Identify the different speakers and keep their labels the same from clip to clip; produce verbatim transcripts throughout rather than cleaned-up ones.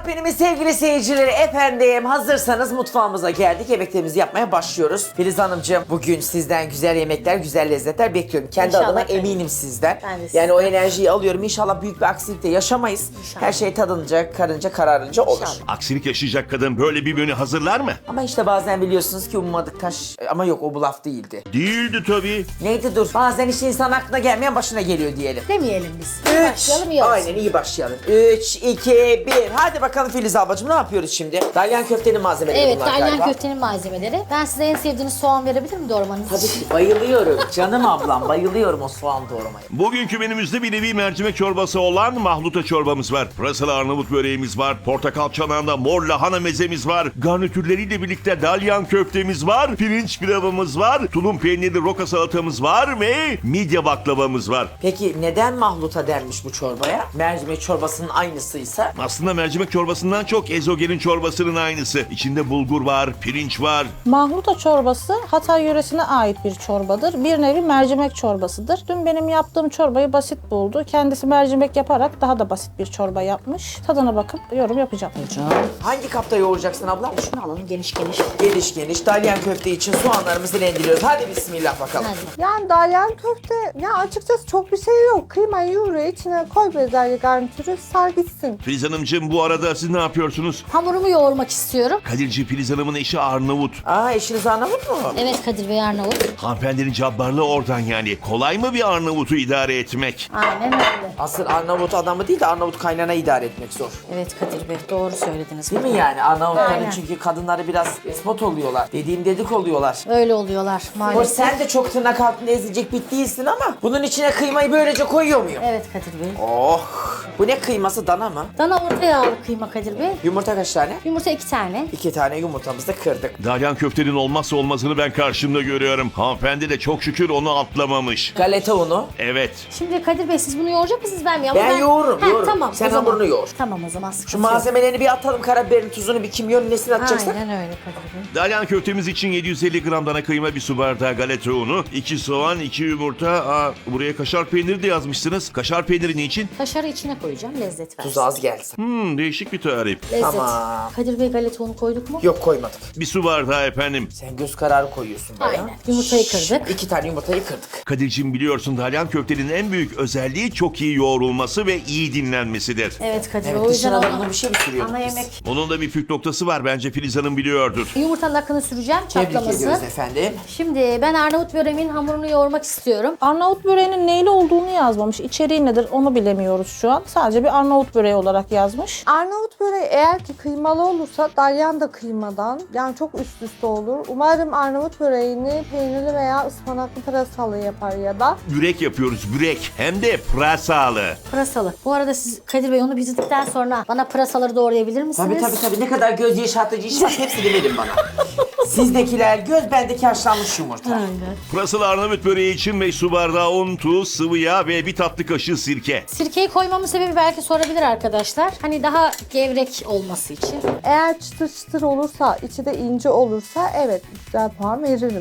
Speaker 1: Köpeğimin sevgili seyircileri, efendim hazırsanız mutfağımıza geldik. Yemeklerimizi yapmaya başlıyoruz. Filiz Hanımcığım, bugün sizden güzel yemekler, güzel lezzetler bekliyorum. Kendi
Speaker 2: İnşallah
Speaker 1: adıma
Speaker 2: efendim.
Speaker 1: eminim sizden.
Speaker 2: Ben de
Speaker 1: Yani
Speaker 2: sizden.
Speaker 1: o enerjiyi alıyorum. İnşallah büyük bir aksilik de yaşamayız.
Speaker 2: İnşallah.
Speaker 1: Her şey tadınca, karınca, kararınca olur.
Speaker 2: İnşallah.
Speaker 3: Aksilik yaşayacak kadın böyle bir menü hazırlar mı?
Speaker 1: Ama işte bazen biliyorsunuz ki ummadık taş... Ama yok, o bu laf değildi.
Speaker 3: Değildi tabii.
Speaker 1: Neydi dur? Bazen işte insan aklına gelmeyen başına geliyor diyelim.
Speaker 2: Demeyelim biz.
Speaker 1: Üç.
Speaker 2: Başlayalım iyi olsun.
Speaker 1: Aynen, iyi başlayalım. Üç, iki, bir. Hadi bakalım Filiz ablacığım, ne yapıyoruz şimdi? Dalyan köftenin malzemeleri
Speaker 2: Evet,
Speaker 1: bunlar
Speaker 2: dalyan
Speaker 1: galiba.
Speaker 2: köftenin malzemeleri. Ben size en sevdiğiniz soğan verebilir miyim doğramanız
Speaker 1: Tabii
Speaker 2: için?
Speaker 1: ki bayılıyorum. Canım ablam, bayılıyorum o soğan doğramaya.
Speaker 3: Bugünkü menümüzde bir nevi mercimek çorbası olan mahluta çorbamız var. Pırasalı Arnavut böreğimiz var. Portakal çanağında mor lahana mezemiz var. Garnitürleriyle birlikte dalyan köftemiz var. Pirinç pilavımız var. Tulum peynirli roka salatamız var ve midye baklavamız var.
Speaker 1: Peki neden mahluta denmiş bu çorbaya? Mercimek çorbasının aynısıysa.
Speaker 3: Aslında mercimek çorbasından çok ezogelin çorbasının aynısı. İçinde bulgur var, pirinç var.
Speaker 4: Mahluta çorbası Hatay yöresine ait bir çorbadır. Bir nevi mercimek çorbasıdır. Dün benim yaptığım çorbayı basit buldu. Kendisi mercimek yaparak daha da basit bir çorba yapmış. Tadına bakıp yorum yapacağım.
Speaker 1: Hangi kapta yoğuracaksın abla?
Speaker 2: Şunu alalım geniş geniş.
Speaker 1: Geniş geniş dalyan köfte için soğanlarımızı rendeliyoruz. Hadi bismillah bakalım.
Speaker 2: Hadi.
Speaker 5: Yani dalyan köfte, ya açıkçası çok bir şey yok. Kıymayı yoğuruyor, içine koy bezelye garnitürü, sar gitsin.
Speaker 3: Filiz Hanımcığım, bu arada siz ne yapıyorsunuz?
Speaker 2: Hamurumu yoğurmak istiyorum.
Speaker 3: Kadirci Filiz Hanım'ın eşi Arnavut.
Speaker 1: Aa, eşiniz Arnavut mu?
Speaker 2: Evet Kadir Bey Arnavut.
Speaker 3: Hanımefendinin cabbarlığı oradan yani. Kolay mı bir Arnavut'u idare etmek?
Speaker 2: Aynen öyle.
Speaker 1: Asıl Arnavut adamı değil de Arnavut kaynana idare etmek zor.
Speaker 2: Evet Kadir Bey doğru söylediniz.
Speaker 1: Değil mi yani? Arnavutların
Speaker 2: Aynen.
Speaker 1: çünkü kadınları biraz spot oluyorlar. Dediğim dedik oluyorlar.
Speaker 2: Öyle oluyorlar
Speaker 1: Hoş,
Speaker 2: maalesef.
Speaker 1: sen de çok tırnak altında ezilecek bit değilsin ama bunun içine kıymayı böylece koyuyor muyum?
Speaker 2: Evet Kadir Bey.
Speaker 1: Oh! Bu ne kıyması, dana mı?
Speaker 2: Dana orta yağlı kıyma Kadir Bey.
Speaker 1: Yumurta kaç tane?
Speaker 2: Yumurta iki tane.
Speaker 1: İki tane yumurtamızı da kırdık.
Speaker 3: Dalyan köftenin olmazsa olmazını ben karşımda görüyorum. Hanımefendi de çok şükür onu atlamamış.
Speaker 1: Galeta unu.
Speaker 3: Evet.
Speaker 2: Şimdi Kadir Bey siz bunu yoğuracak mısınız ben mi? Ama
Speaker 1: Ben yoğururum,
Speaker 2: Heh,
Speaker 1: yoğururum.
Speaker 2: Tamam,
Speaker 1: Sen
Speaker 2: o zaman.
Speaker 1: hamurunu yoğur.
Speaker 2: Tamam o zaman sıkıntı
Speaker 1: Şu
Speaker 2: yok.
Speaker 1: malzemelerini bir atalım, karabiberin, tuzunu, bir kimyonun nesini atacaksak.
Speaker 2: Aynen öyle Kadir Bey.
Speaker 3: Dalyan köftemiz için yedi yüz elli gram dana kıyma, bir su bardağı galeta unu, iki soğan, iki yumurta. Aa, buraya kaşar peyniri de yazmışsınız. Kaşar peyniri niçin?
Speaker 2: Kaşarı içine koyacağım lezzet versin.
Speaker 1: Tuz az gelsin.
Speaker 3: Hmm, değişik bir tarif.
Speaker 2: Lezzet.
Speaker 1: Tamam.
Speaker 2: Kadir Bey galeta unu koyduk mu?
Speaker 1: Yok, koymadık.
Speaker 3: Bir su bardağı efendim.
Speaker 1: Sen göz kararı koyuyorsun bana.
Speaker 2: Aynen. Yumurtayı kırdık.
Speaker 1: İki tane yumurtayı kırdık.
Speaker 3: Kadir'cim, biliyorsun dalyan köftenin en büyük özelliği çok iyi yoğrulması ve iyi dinlenmesidir.
Speaker 2: Evet Kadir Bey
Speaker 1: Evet,
Speaker 2: o yüzden
Speaker 1: dışına da
Speaker 2: ona-
Speaker 1: buna bir şey mi sürüyorduk
Speaker 2: ana
Speaker 1: biz?
Speaker 2: yemek.
Speaker 3: Onun da bir püf noktası var, bence Filiz Hanım biliyordur.
Speaker 2: Yumurtanın akını süreceğim
Speaker 1: Tebrik
Speaker 2: çatlaması.
Speaker 1: ediyoruz efendim.
Speaker 2: Şimdi ben Arnavut böreğimin hamurunu yoğurmak istiyorum.
Speaker 4: Arnavut böreğinin neyli olduğunu yazmamış. İçeriği nedir onu bilemiyoruz şu an. Sadece bir Arnavut böreği olarak yazmış.
Speaker 5: Arnavut böreği eğer ki kıymalı olursa dalyan da kıymadan, yani çok üst üste olur. Umarım Arnavut böreğini peynirli veya ıspanaklı pırasalı yapar ya da.
Speaker 3: Börek yapıyoruz, börek. Hem de pırasalı.
Speaker 2: Pırasalı. Bu arada siz Kadir Bey onu bitirdikten sonra bana pırasaları doğrayabilir misiniz?
Speaker 1: Tabii tabii tabii, ne kadar göz yaşartıcı iş var hepsini verin bana. Sizdekiler göz, bendeki haşlanmış yumurta.
Speaker 2: Aynen.
Speaker 3: Pırasalı Arnavut böreği için beş su bardağı un, tuz, sıvı yağ ve bir tatlı kaşığı sirke.
Speaker 2: Sirkeyi koymamın sebebi belki sorabilir arkadaşlar. Hani daha gevrek olması için.
Speaker 5: Eğer çıtır çıtır olursa, içi de ince olursa evet güzel puan veririm.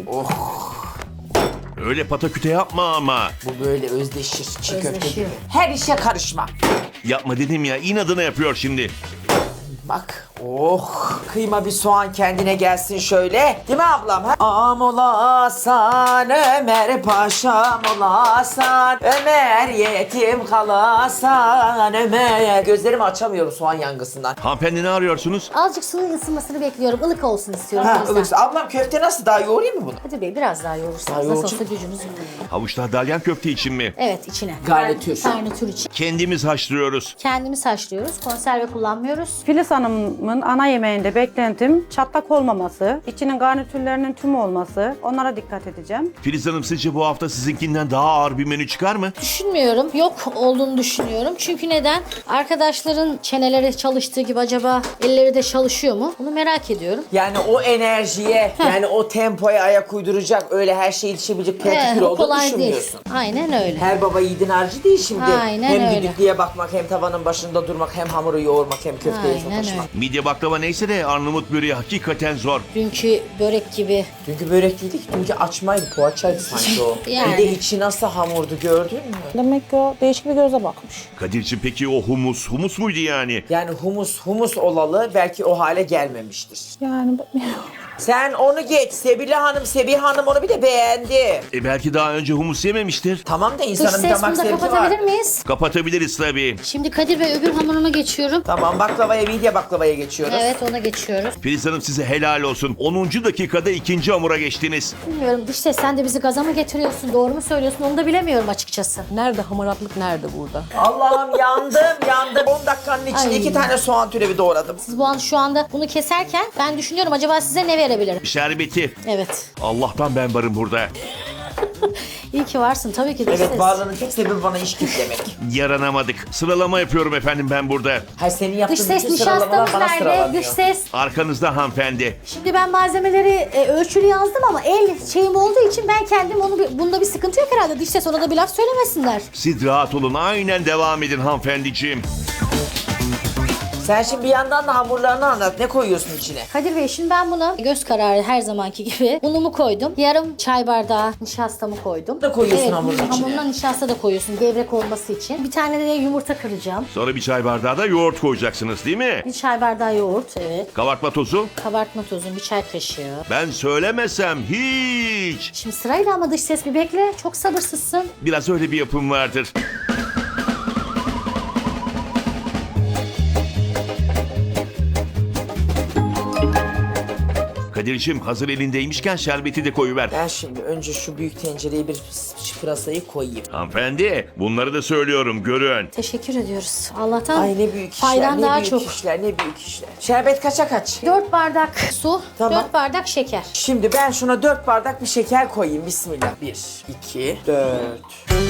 Speaker 3: Öyle pataküte yapma ama.
Speaker 1: Bu böyle özdeşir çiğ köfte gibi.
Speaker 2: Özdeşiyor.
Speaker 1: Her işe karışma.
Speaker 3: Yapma dedim ya, inadına yapıyor şimdi.
Speaker 1: Bak, oh, kıyma bir soğan kendine gelsin şöyle. Değil mi ablam? Ha? Am olasan Ömer paşam olasan, Ömer yetim kalasan Ömer. Gözlerimi açamıyorum soğan yangısından.
Speaker 3: Hanımefendi, ne arıyorsunuz?
Speaker 2: Azıcık sıvı ısınmasını bekliyorum. Ilık olsun istiyorum.
Speaker 1: Ha,
Speaker 2: o yüzden.
Speaker 1: ılıksa. Ablam köfte nasıl, daha yoğurayım mı bunu?
Speaker 2: Kadir Bey biraz daha
Speaker 1: Daha
Speaker 2: yoğurursanız nasıl
Speaker 1: yoğuracağım.
Speaker 2: olsa gücünüz yetiyor.
Speaker 3: Havuçlar dalyan köfte için mi?
Speaker 2: Evet içine.
Speaker 1: Garnitür.
Speaker 2: Garnitür için.
Speaker 3: Kendimiz haşlıyoruz.
Speaker 2: Kendimiz haşlıyoruz. Konserve kullanmıyoruz.
Speaker 6: Filiz Hanım'ın ana yemeğinde beklentim çatlak olmaması, içinin garnitürlerinin tüm olması. Onlara dikkat edeceğim.
Speaker 3: Filiz Hanım, sizce bu hafta sizinkinden daha ağır bir menü çıkar mı?
Speaker 2: Düşünmüyorum. Yok olduğunu düşünüyorum. Çünkü neden? Arkadaşların çeneleri çalıştığı gibi acaba elleri de çalışıyor mu? Bunu merak ediyorum.
Speaker 1: Yani o enerjiye, yani o tempoya ayak uyduracak, öyle her şeyi yetişebilecek
Speaker 2: Evet,
Speaker 1: pratik
Speaker 2: o
Speaker 1: olduğunu
Speaker 2: kolay değil.
Speaker 1: düşünmüyorsun.
Speaker 2: Aynen öyle.
Speaker 1: Her baba yiğidin harcı değil şimdi.
Speaker 2: Aynen
Speaker 1: hem
Speaker 2: öyle.
Speaker 1: düdüklüye bakmak, hem tavanın başında durmak, hem hamuru yoğurmak, hem köfteye
Speaker 2: Aynen
Speaker 1: sataşmak.
Speaker 2: öyle.
Speaker 3: Midye Midye baklava neyse de Arnavut böreği hakikaten zor.
Speaker 2: Dünkü börek gibi.
Speaker 1: Dünkü börek değildi ki. Dünkü açmaydı. Poğaçaydı sanki o.
Speaker 2: Yani.
Speaker 1: Bir de içi nasıl hamurdu gördün mü?
Speaker 4: Demek ki o değişik bir göze bakmış.
Speaker 3: Kadir'cim peki o humus, humus muydu yani?
Speaker 1: Yani humus humus olalı belki o hale gelmemiştir.
Speaker 4: Yani
Speaker 1: Sen onu geç. Sebile Hanım, Sebiha Hanım onu bir de beğendi.
Speaker 3: E belki daha önce humus yememiştir.
Speaker 1: Tamam da
Speaker 2: Dış
Speaker 1: insanın bir
Speaker 2: ses
Speaker 1: damak
Speaker 2: bunu da
Speaker 1: zevki var.
Speaker 2: kapatabilir miyiz?
Speaker 3: Kapatabiliriz tabii.
Speaker 2: Şimdi Kadir Bey öbür hamuruma geçiyorum.
Speaker 1: Tamam baklavaya, midye baklavaya geçiyoruz.
Speaker 2: Evet ona geçiyoruz.
Speaker 3: Filiz Hanım size helal olsun. onuncu dakikada ikinci hamura geçtiniz.
Speaker 2: Bilmiyorum dış ses sen de bizi gaza mı getiriyorsun? Doğru mu söylüyorsun? Onu da bilemiyorum açıkçası.
Speaker 7: Nerede hamaratlık nerede burada?
Speaker 1: Allah'ım yandım yandım. on dakikanın içinde
Speaker 2: Ay.
Speaker 1: iki tane soğan türevi doğradım.
Speaker 2: Siz bu an şu anda bunu keserken ben düşünüyorum acaba size ne verebilirim?
Speaker 3: Şerbeti.
Speaker 2: Evet.
Speaker 3: Allah'tan ben varım burada.
Speaker 2: İyi ki varsın tabii ki dış
Speaker 1: Evet
Speaker 2: ses.
Speaker 1: varlığının tek sebebi bana iş demek.
Speaker 3: Yaranamadık. Sıralama yapıyorum efendim ben burada.
Speaker 1: Hayır senin yaptığın
Speaker 2: Dış ses
Speaker 1: bütün sıralamalar
Speaker 2: nişastamız
Speaker 1: bana
Speaker 2: nerede?
Speaker 1: sıralanıyor.
Speaker 2: Dış ses.
Speaker 3: Arkanızda hanımefendi.
Speaker 2: Şimdi ben malzemeleri e, ölçülü yazdım ama el şeyim olduğu için ben kendim onu bir- bunda bir sıkıntı yok herhalde. Dış ses ona da bir laf söylemesinler.
Speaker 3: Siz rahat olun. Aynen devam edin hanımefendiciğim.
Speaker 1: Sen şimdi bir yandan da hamurlarını anlat. Ne koyuyorsun içine?
Speaker 2: Kadir Bey şimdi ben buna göz kararı her zamanki gibi unumu koydum. Yarım çay bardağı nişastamı koydum.
Speaker 1: Da koyuyorsun
Speaker 2: evet,
Speaker 1: hamurun içine.
Speaker 2: hamuruna nişasta da koyuyorsun gevrek olması için. Bir tane de yumurta kıracağım.
Speaker 3: Sonra bir çay bardağı da yoğurt koyacaksınız değil mi?
Speaker 2: Bir çay bardağı yoğurt evet.
Speaker 3: Kabartma tozu.
Speaker 2: Kabartma tozu bir çay kaşığı.
Speaker 3: Ben söylemesem hiç.
Speaker 2: Şimdi sırayla ama dış ses bir bekle. Çok sabırsızsın.
Speaker 3: Biraz öyle bir yapım vardır. Kadir'cim hazır elindeymişken şerbeti de koyuver.
Speaker 1: Ben şimdi önce şu büyük tencereye bir pırasayı koyayım.
Speaker 3: Hanımefendi bunları da söylüyorum görün.
Speaker 2: Teşekkür ediyoruz. Allah'tan
Speaker 1: Ay ne büyük işler,
Speaker 2: faydan
Speaker 1: ne
Speaker 2: daha
Speaker 1: büyük
Speaker 2: çok.
Speaker 1: işler, ne büyük işler. Şerbet kaça kaç?
Speaker 2: dört bardak su,
Speaker 1: Tamam.
Speaker 2: dört bardak şeker.
Speaker 1: Şimdi ben şuna dört bardak bir şeker koyayım. Bismillah. Bir, iki, dört.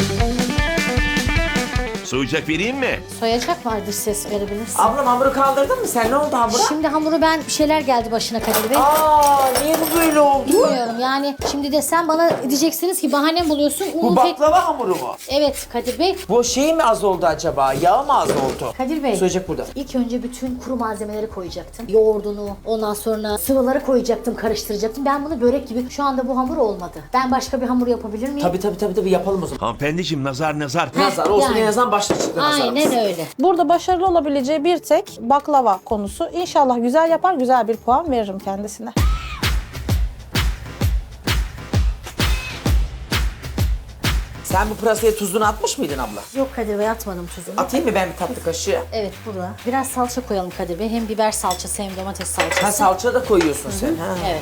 Speaker 3: Soğuyacak vereyim mi?
Speaker 2: Soyacak var dış ses verebilirsin.
Speaker 1: Ablam hamuru kaldırdın mı sen? Ne oldu hamura?
Speaker 2: Şimdi hamuru ben bir şeyler geldi başına Kadir Bey.
Speaker 1: Aa niye bu böyle oldu?
Speaker 2: Bilmiyorum yani şimdi desem bana diyeceksiniz ki bahane buluyorsun.
Speaker 1: Bu
Speaker 2: Unu pek...
Speaker 1: baklava hamuru mu?
Speaker 2: Evet Kadir Bey.
Speaker 1: Bu şey mi az oldu acaba? Yağ mı az oldu?
Speaker 2: Kadir Bey.
Speaker 1: Söyleyecek burada.
Speaker 2: İlk önce bütün kuru malzemeleri koyacaktım. Yoğurdunu, ondan sonra sıvıları koyacaktım, karıştıracaktım. Ben bunu börek gibi, şu anda bu hamur olmadı. Ben başka bir hamur yapabilir miyim?
Speaker 1: Tabii tabii tabii tabii yapalım o zaman.
Speaker 3: Hanımefendiciğim nazar nazar.
Speaker 1: Nazar olsun
Speaker 2: yani.
Speaker 1: en azından başta çıktı nazarımız.
Speaker 2: Aynen öyle.
Speaker 4: burada başarılı olabileceği bir tek baklava konusu. İnşallah güzel yapar, güzel bir puan veririm kendisine.
Speaker 1: Sen bu pırasaya tuzunu atmış mıydın abla?
Speaker 2: Yok Kadir Bey atmadım tuzunu.
Speaker 1: Atayım mı ben bir tatlı kaşığı?
Speaker 2: Evet burada. Biraz salça koyalım Kadir Bey. Hem biber salçası hem domates salçası.
Speaker 1: Ha salça da koyuyorsun sen. Ha.
Speaker 2: Evet.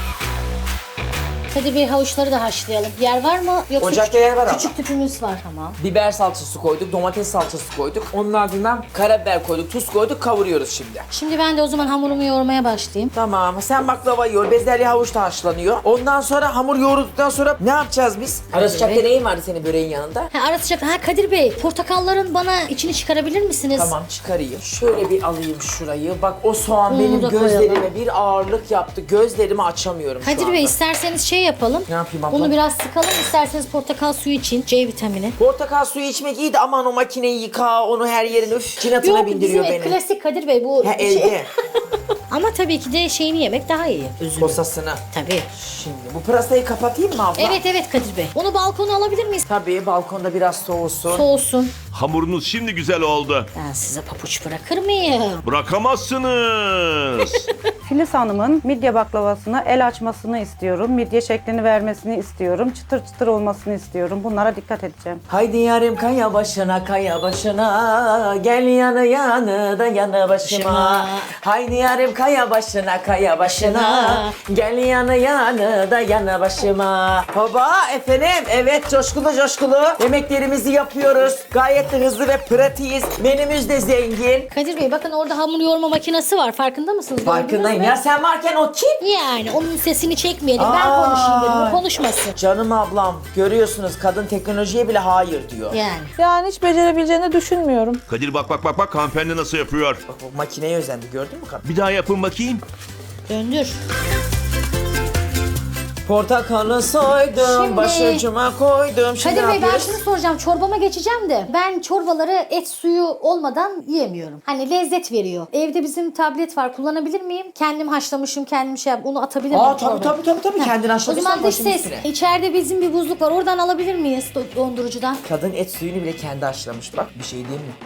Speaker 2: Kadir Bey havuçları da haşlayalım. Yer var mı? Yoksa
Speaker 1: Ocakta
Speaker 2: küçük-
Speaker 1: yer var ama.
Speaker 2: Küçük tüpümüz var. Tamam.
Speaker 1: Biber salçası koyduk, domates salçası koyduk. Onun ardından karabiber koyduk, tuz koyduk, kavuruyoruz şimdi.
Speaker 2: Şimdi ben de o zaman hamurumu yoğurmaya başlayayım.
Speaker 1: Tamam, sen baklava yoğur, bezelye havuç da haşlanıyor. Ondan sonra hamur yoğrulduktan sonra ne yapacağız biz? Ara sıcakta neyin vardı senin böreğin yanında?
Speaker 2: Ha, ara sıcak. Ha Kadir Bey, portakalların bana içini çıkarabilir misiniz?
Speaker 1: Tamam çıkarayım. Şöyle bir alayım şurayı. Bak o soğan
Speaker 2: Bunu
Speaker 1: benim
Speaker 2: da
Speaker 1: gözlerime
Speaker 2: koyalım.
Speaker 1: bir ağırlık yaptı. Gözlerimi açamıyorum şu
Speaker 2: Kadir
Speaker 1: anda.
Speaker 2: Bey isterseniz şey yapalım.
Speaker 1: Ne yapayım abla?
Speaker 2: Bunu biraz sıkalım. İsterseniz portakal suyu için C vitamini.
Speaker 1: Portakal suyu içmek iyi de aman o makineyi yıka, onu her yerin üf cinatına
Speaker 2: Yok
Speaker 1: bindiriyor
Speaker 2: bizim
Speaker 1: beni.
Speaker 2: klasik Kadir Bey bu.
Speaker 1: Ha
Speaker 2: şey-
Speaker 1: elde.
Speaker 2: Ama tabii ki de şeyini yemek daha iyi. Üzümü.
Speaker 1: Posasını.
Speaker 2: Tabii.
Speaker 1: Şimdi bu pırasayı kapatayım mı abla?
Speaker 2: Evet evet Kadir Bey. Onu balkona alabilir miyiz?
Speaker 1: Tabii balkonda biraz soğusun.
Speaker 2: Soğusun.
Speaker 3: Hamurunuz şimdi güzel oldu.
Speaker 2: Ben size papuç bırakır mıyım?
Speaker 3: Bırakamazsınız.
Speaker 6: Filiz Hanım'ın midye baklavasına el açmasını istiyorum. Midye şeklini vermesini istiyorum. Çıtır çıtır olmasını istiyorum. Bunlara dikkat edeceğim.
Speaker 1: Haydi yarim kaya başına kaya başına gel yanı yanı da yanı başıma.
Speaker 2: Başıma.
Speaker 1: Haydi yarim kaya başına kaya başına gel yanı yanı da yanı başıma. Baba efendim evet coşkulu coşkulu yemeklerimizi yapıyoruz. Gayet de hızlı ve pratiğiz. Menümüz de zengin.
Speaker 2: Kadir Bey bakın orada hamur yoğurma makinesi var. Farkında mısınız?
Speaker 1: Farkındayım
Speaker 2: Gördünüz mü?
Speaker 1: ya sen varken o kim?
Speaker 2: Yani onun sesini çekmeyelim. Ben
Speaker 1: Aa.
Speaker 2: konuşayım dedim. O konuşmasın.
Speaker 1: Canım ablam görüyorsunuz kadın teknolojiye bile hayır diyor.
Speaker 2: Yani.
Speaker 4: Yani hiç becerebileceğini düşünmüyorum.
Speaker 3: Kadir bak bak bak bak hanımefendi nasıl yapıyor.
Speaker 1: Bak o makineye özendi gördün mü kadın?
Speaker 3: Bir daha yapın bakayım.
Speaker 2: Döndür.
Speaker 1: Portakalı soydum,
Speaker 2: Şimdi-
Speaker 1: başucuma koydum. Şimdi
Speaker 2: Kadir
Speaker 1: ne
Speaker 2: Bey ben
Speaker 1: yapıyoruz?
Speaker 2: şunu soracağım. Çorbama geçeceğim de ben çorbaları et suyu olmadan yiyemiyorum. Hani lezzet veriyor. Evde bizim tablet var. Kullanabilir miyim? Kendim haşlamışım, kendim şey yap. Onu atabilir miyim
Speaker 1: Aa tabii
Speaker 2: çorbaya?
Speaker 1: tabii tabii tabii
Speaker 2: Heh.
Speaker 1: kendin
Speaker 2: O
Speaker 1: haşladıysan
Speaker 2: zaman dış
Speaker 1: başım
Speaker 2: ses.
Speaker 1: üstüne.
Speaker 2: İçeride bizim bir buzluk var. Oradan alabilir miyiz do- dondurucudan?
Speaker 1: Kadın et suyunu bile kendi haşlamış. Bak bir şey diyeyim mi?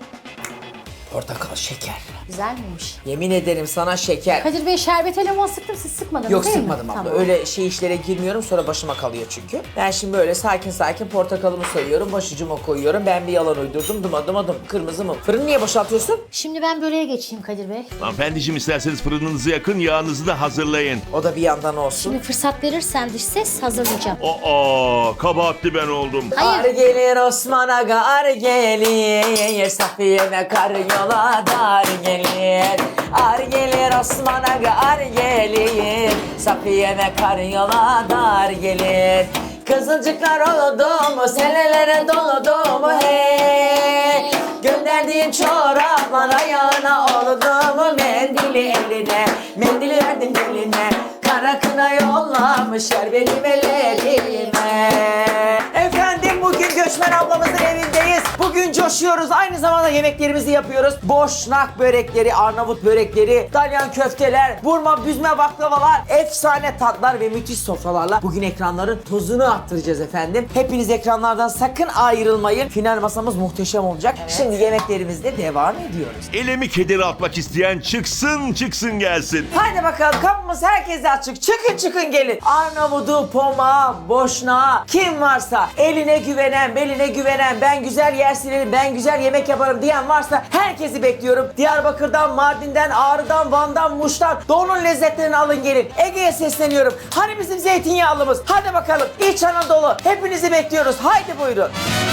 Speaker 1: Portakal şeker.
Speaker 2: Güzel miymiş?
Speaker 1: Yemin ederim sana şeker.
Speaker 2: Kadir Bey şerbete limon sıktım, siz sıkmadınız
Speaker 1: Yok
Speaker 2: değil mi?
Speaker 1: sıkmadım abla.
Speaker 2: Tamam.
Speaker 1: Öyle şey işlere girmiyorum sonra başıma kalıyor çünkü. Ben şimdi böyle sakin sakin portakalımı soyuyorum, başucuma koyuyorum. Ben bir yalan uydurdum. Dım adım adım. Kırmızı mı? Fırını niye boşaltıyorsun?
Speaker 2: Şimdi ben böreğe geçeyim Kadir Bey.
Speaker 3: Hanımefendiciğim isterseniz fırınınızı yakın, yağınızı da hazırlayın.
Speaker 1: O da bir yandan olsun.
Speaker 2: Şimdi fırsat verirsen dış ses hazırlayacağım.
Speaker 3: Aa, kabahatli ben oldum.
Speaker 2: Hayır.
Speaker 1: Ar gelir Osman Aga ar gelir Safiye'me kar yola dar gelir Ar gelir Osman Aga ar gelir Safiye'me kar yola dar gelir Kızılcıklar oldu mu senelere doludu mu hey Gönderdiğin çoraplar ayağına oldu mu mendili eline Mendili verdim eline Kara kına yollamış yer benim ellerime Efendim bugün Göçmen ablamızın evindeyiz. Bugün coşuyoruz. Aynı zamanda yemeklerimizi yapıyoruz. Boşnak börekleri, Arnavut börekleri, dalyan köfteler, burma, büzme baklavalar, efsane tatlar ve müthiş sofralarla bugün ekranların tozunu attıracağız efendim. Hepiniz ekranlardan sakın ayrılmayın. Final masamız muhteşem olacak. Şimdi yemeklerimizle devam ediyoruz.
Speaker 3: Elemi kederi atmak isteyen çıksın çıksın gelsin.
Speaker 1: Haydi bakalım kapımız herkese açık. Çıkın çıkın gelin. Arnavut'u, Poma, Boşna kim varsa eline güvenen, beline güvenen, ben güzel yer silerim, ben güzel yemek yaparım diyen varsa herkesi bekliyorum. Diyarbakır'dan, Mardin'den, Ağrı'dan, Van'dan, Muş'tan doğunun lezzetlerini alın gelin. Ege'ye sesleniyorum. Hani bizim zeytinyağlımız? Hadi bakalım. İç Anadolu. Hepinizi bekliyoruz. Haydi buyurun.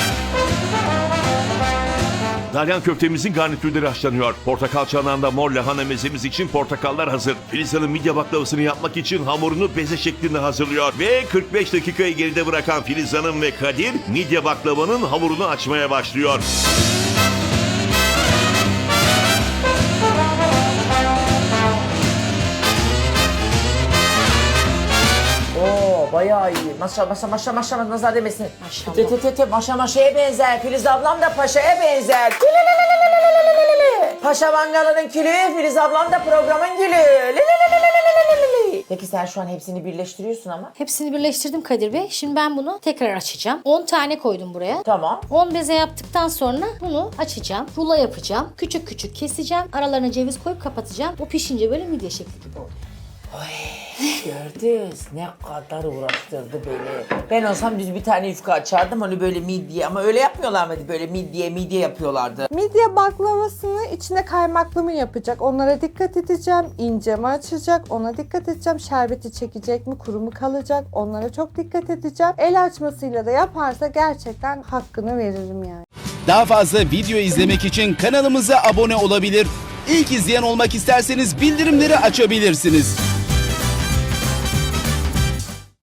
Speaker 3: Dalyan köftemizin garnitürleri haşlanıyor. Portakal çanağında mor lahana mezemiz için portakallar hazır. Filiz Hanım midye baklavasını yapmak için hamurunu beze şeklinde hazırlıyor. Ve kırk beş dakikayı geride bırakan Filiz Hanım ve Kadir midye baklavanın hamurunu açmaya başlıyor.
Speaker 1: Oo bayağı iyi. Maşa maşa maşa maşa nazar demesin.
Speaker 2: Maşallah.
Speaker 1: Tü tü tü tü maşa maşaya benzer. Filiz ablam da paşaya benzer. Paşa mangalının külü, Filiz ablam da programın gülü. Peki sen şu an hepsini birleştiriyorsun ama.
Speaker 2: Hepsini birleştirdim Kadir Bey. Şimdi ben bunu tekrar açacağım. on tane koydum buraya.
Speaker 1: Tamam.
Speaker 2: on beze yaptıktan sonra bunu açacağım. Rulo yapacağım. Küçük küçük keseceğim. Aralarına ceviz koyup kapatacağım. O pişince böyle midye şekli gibi oldu.
Speaker 1: Gördünüz ne kadar uğraştırdı beni. Ben olsam düz bir tane yufka açardım hani böyle midye ama öyle yapmıyorlar mıydı? Böyle midye midye yapıyorlardı.
Speaker 5: Midye baklavasını içine kaymaklı mı yapacak? Onlara dikkat edeceğim. İnce mi açacak? Ona dikkat edeceğim. Şerbeti çekecek mi? Kuru mu kalacak? Onlara çok dikkat edeceğim. El açmasıyla da yaparsa gerçekten hakkını veririm yani.
Speaker 8: Daha fazla video izlemek için kanalımıza abone olabilir. İlk izleyen olmak isterseniz bildirimleri açabilirsiniz.